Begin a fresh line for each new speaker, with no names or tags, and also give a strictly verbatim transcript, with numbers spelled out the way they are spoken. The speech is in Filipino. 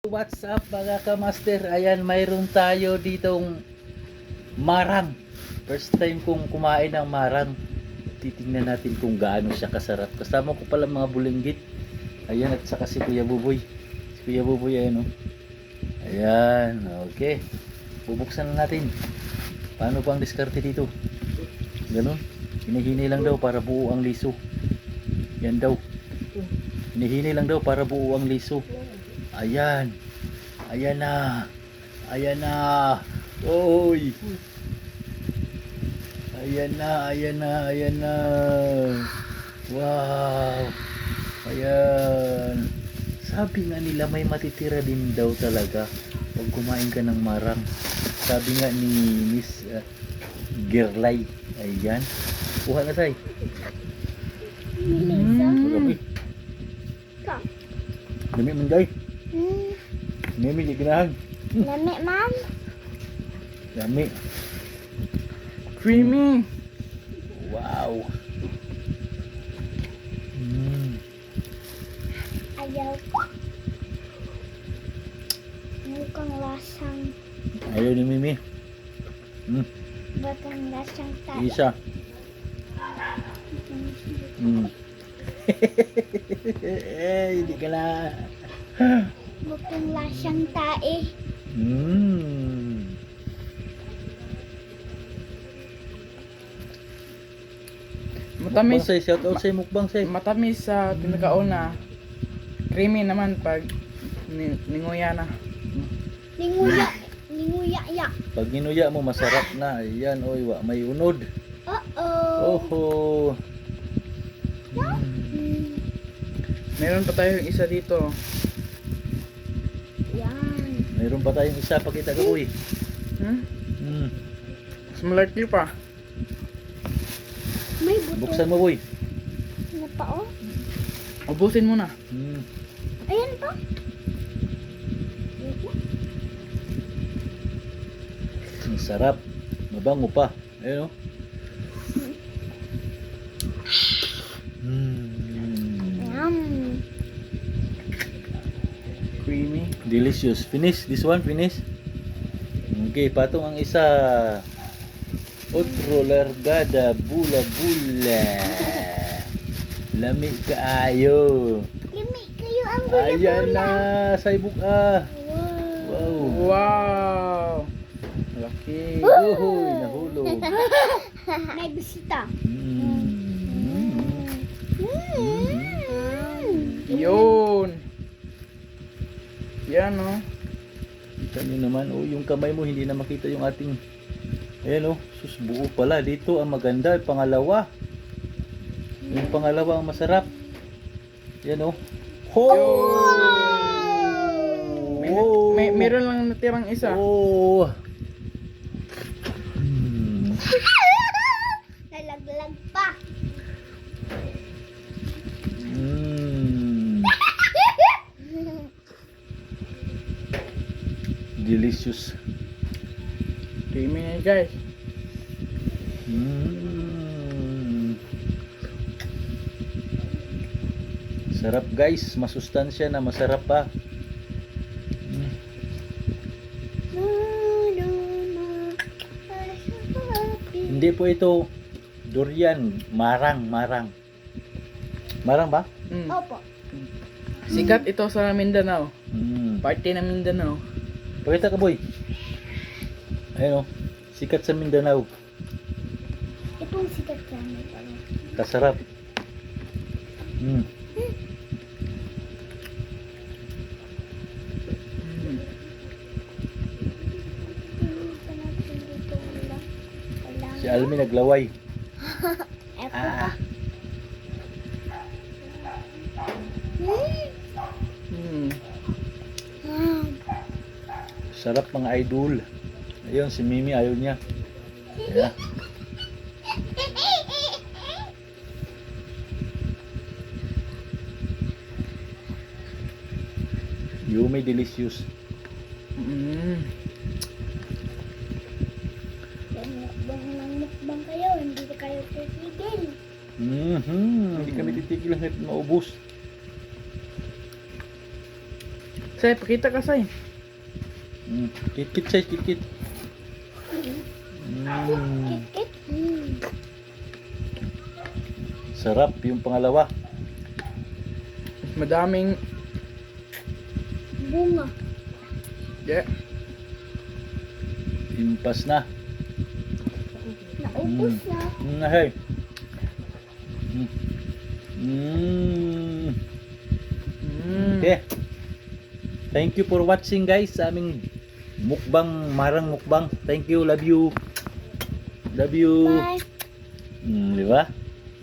What's up mga kamaster? Ayan, mayroon tayo ditong marang. First time kong kumain ng marang. Titingnan natin kung gaano siya kasarap. Kasama ko pala mga bulinggit. Ayan, at saka si Kuya Buboy. Si Kuya Buboy, ayan o. Ayan, okay. Bubuksan na natin. Paano pang diskarte dito? Ganon. Hinihini lang daw para buo ang liso. Yan daw. Hinihini lang daw para buo ang liso. Ayan. Ayan na. Ayan na. Oy. Ayan na, ayan na, ayan na. Wow. Ayan. Sabi nga nila may matitira din daw talaga pag kumain ka ng marang. Sabi nga ni Miss uh, Gerlay. Ayan. Kuha na tayo. Mm. Dami man day.
Hmm.
Dami di ganahan.
Lami, ma'am.
Dami.
Creamy.
Wow. Mm.
Ayaw ko. Mukhang lasang,
Ayaw ni Mimi. Mm.
bakang lasang tayo.
Isa. Mm. Eh, hindi ka na.
Mukhang lasang tae.
Mm. Mukbang
Matamis,
say, shout out say mukbang say.
matamis sa pinakauna. Creamy naman pag ni ninguya na.
Ninguya. Ninguya ya.
Pag ginuya mo masarap na. Ayan, oy, wa may unod.
Uh-oh.
Oho. Mm.
Hmm.
Meron pa tayong isa dito.
Yan.
Mayroon pa tayong isa, pakita ko boy.
Hmm?
Mm.
Mas malaki pa.
May buto
Buksan mo boy.
na pa, oh.
Ubusin mo na.
Mm.
Ayan pa. Wait lang.
Ang sarap. Mabango pa. Ayun oh. Mm.
Yum.
Creamy.
Delicious. Finish. This one, finish. Okay, patong ang isa. Otro largada, bula bula. Lami kaayo.
Limi kayo ang
Ayan
bula-bula.
na, saibuk ah.
Wow.
Wow.
Wow. Malaki.
Uhoy, nahulog.
May bisita.
Mm.
Mm.
Yun. Yan oh.
Kita nyo naman, oh, yung kamay mo hindi na makita yung ating. Ayan oh, sus buo pala. Dito ang maganda, yung pangalawa. Yung pangalawa ang masarap. Yan oh. Ho!
May, may meron lang natirang isa.
Oh. Hmm.
Nalaglag pa.
Mm. Delicious.
Creamy na guys.
Mm. Sarap guys, masustansya na masarap pa. Mm.
No, no, no.
Hindi po ito durian, marang, marang. Marang ba?
Mm.
Opo.
Sikat ito sa Mindanao.
Mm.
Parte ng Mindanao.
Pakita ka boy. Ayun oh, sikat sa Mindanao.
Itong sikat kami pala.
Kasarap. Mm.
Mm.
Si Almi naglaway.
Epo
Ah.
pa. Hmm.
Mm.
Ah.
Sarap mga idol. Ayun, si Mimi ayaw niya. Yeah. Yummy delicious.
Mm.
Mukbang ng mukbang kayo, hindi kayo titigil.
Mhm. Hindi kami titigil hanggat maubos.
Say, pakita ka, Say.
Mm. Kit-kit siya, kit-kit. Mm.
Kit-kit. Mm.
Sarap yung pangalawa.
Mas madaming...
Bunga.
Yeah.
Impas na.
Naubos na.
Mm, hey. Mm. Mm.
Mm.
Okay. Thank you for watching guys sa aming mukbang, marang mukbang. Thank you, love you. Love you.
Bye.
Mm, di ba?